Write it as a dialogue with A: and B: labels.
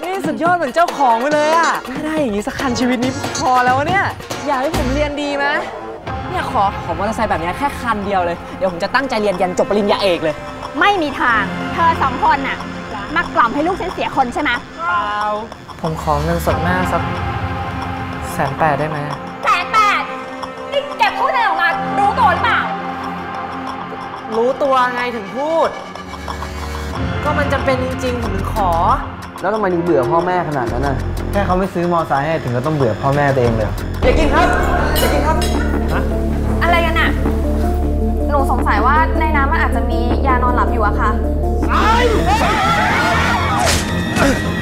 A: นี่สุดยอดเหมือนเจ้าของไปเลยอะได้อย่างนี้สักคันชีวิตนี้พอแล้วเนี่ยอยากให้ผมเรียนดีไหมเนี่ยขอมอเตอร์ไซค์แบบนี้แค่คันเดียวเลยเดี๋ยวผมจะตั้งใจเรียนยันจบปริญญาเอกเลย
B: ไม่มีทางเธอสองคนน่ะมากล่อมให้ลูกฉันเสียคนใช่ไหม
A: เปล่าผมขอเงินสดหน้าสัก180,000ได้ไหม
B: 180,000นี่แกพูดอะไรออกมารู้ตัวหรือเปล่า
A: รู้ตัวไงถึงพูดก็มันจะเป็นจริงๆผมถึงขอ
C: แล้วทำไมถึงเบื่อพ่อแม่ขนาดนั้นน่ะแค่เขาไม่ซื้อมอไซค์ให้ถึงก็ต้องเบื่อพ่อแม่ตัวเองเลยอยากกินครับอยากกินครับ
B: อะไรกันน่ะหนูสงสัยว่าในน้ำมันอาจจะมียานอนหลับอยู่อะค่ะ